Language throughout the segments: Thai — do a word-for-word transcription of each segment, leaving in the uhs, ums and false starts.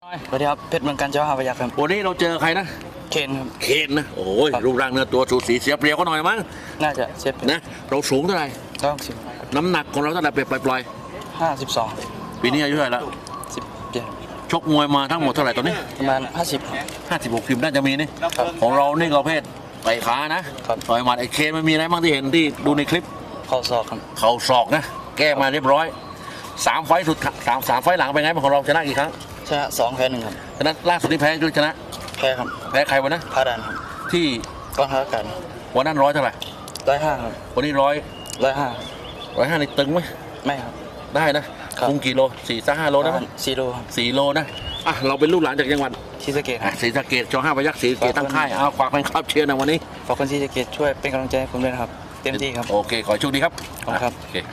สวัสดีครับเพชรเมืองการเจ้าหาพยัคฆ์ครับวันนี้เราเจอใครนะเคนครับเคนนะโอ้ยรูปร่างเนื้อตัวสูสีเสียเปรียบก็หน่อยมั้งน่าจะเซฟนะเราสูงเท่าไหร่ต้องสิบน้ำหนักของเราเท่าไหร่เปรียบปล่อยห้าสิบสองปีนี้อายุเท่าไหร่แล้วสิบเจ็ดชกมวยมาทั้งหมดเท่าไหร่ตอนนี้ประมาณห้าสิบห้าสิบหกสิบน่าจะมีนี่ของเรานี่ก็เพศไต่ขานะต่อยหมัดไอ้เคนมันมีอะไรบ้างที่เห็นที่ดูในคลิปเข่าศอกครับเข่าศอกนะแก้มาเรียบร้อยสามไฟสุดสามสามไฟหลังเป็นไงของเราชนะกี่ครั้งชนะสองแพ้หนึ่งครับชนะล่าสุดที่แพ้หรือชนะแพ้ครับแพ้ใครวะนะพาดันครับที่กองทัพอากาศวันนั้นร้อยเท่าไหร่ร้อยห้าครับวันนี้ร้อยร้อยห้าร้อยห้าในตึงไหมไม่ครับได้นะคุมกี่โลสี่สักห้าโลนะสี่โลครับสี่โลนะอ่ะเราเป็นลูกหลานจากจังหวัดศรีสะเกษศรีสะเกษจอห้าพยัคฆ์ศรีสะเกษตั้งค่ายเอาฝากแฟนคลับเชียร์นะวันนี้ฝากคนศรีสะเกษช่วยเป็นกำลังใจให้ผมด้วยนะครับเต็มที่ครับโอเคขอโชคดีครับขอบคุณครับโอเค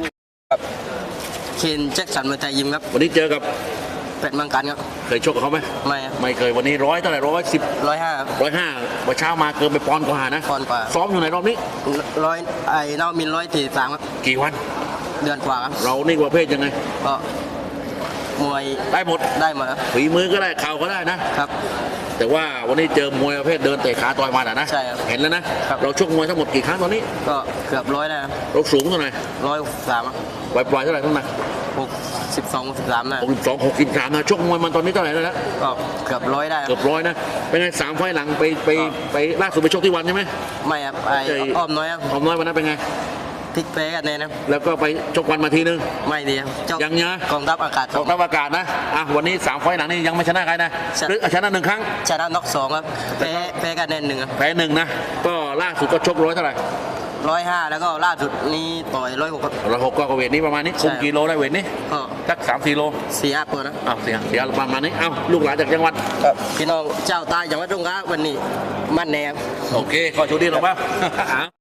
เคนแจ็คสันมวยไทยยิมครับวันนี้เจอกับเพชรเมืองการครับเคยชกกับเขาไหมไม่ไม่เคยวันนี้ร้อยเท่าไหร่ร้อยสิบร้อยห้าร้อยห้าวันเช้ามาเกินไปปอนด์กว่านะปอนด์กว่าซ้อมอยู่ในรอบนี้ร้อยไอ้นอกมินร้อยสี่สามครับกี่วันเดือนกว่าครับเรานี่ประเภทยังไงก็มวยได้หมดได้หมดครับฝีมือก็ได้เข่าก็ได้นะครับแต่ว่าวันนี้เจอมวยประเภทเดินเตะขาต่อยมาอ่ะนะใช่ครับเห็นแล้วนะเราชกมวยทั้งหมดกี่ครั้งตอนนี้ก็เกือบร้อยนะเราสูงเท่าไหร่ร้อยสามปล่อยปล่อยเท่าไหร่ทั้งนั้นหกสิบสองสิบสามนะหกสิบสองหกสิบสามนะชกมวยมันตอนนี้เท่าไหร่แล้วนะก็เกือบร้อยได้เกือบร้อยนะเป็นไงสามไฟหลังไปไปไปล่าสุดไปชกที่วันใช่ไหมไม่ครับไอ้อ้อมน้อยครับอ้อมน้อยวันนั้นเป็นไงพลิกเป๊กันเลยนะแล้วก็ไปชกวันมาทีนึงไม่ดีครับยังเนี้ยกองทัพอากาศกองทัพอากาศนะอ่ะวันนี้สามไฟหลังนี่ยังไม่ชนะใครนะหรือชนะหนึ่งครั้งชนะน็อกสองครับแพ้แพ้กันแน่นหนึ่งครับแพ้หนึ่งนะก็ล่าสุดก็ชกร้อยเท่าไหร่ร้อยห้าแล้วก็ล่าสุดนี้ต่อยร้อยหกครับร้อยหกก็เวทนี้ประมาณนี้คุมกิโลได้เวทนี้ก็สักสามสี่โลสี่ห้าตัวนะอ้าวสี่ห้าสี่ห้าประมาณนี้อ้าวลูกหลานจากจังหวัดพี่น้องเจ้าตายจังหวัดตรงข้าวันนี้มั่นแนมโอเคขอชูดีหน่อยป่ะ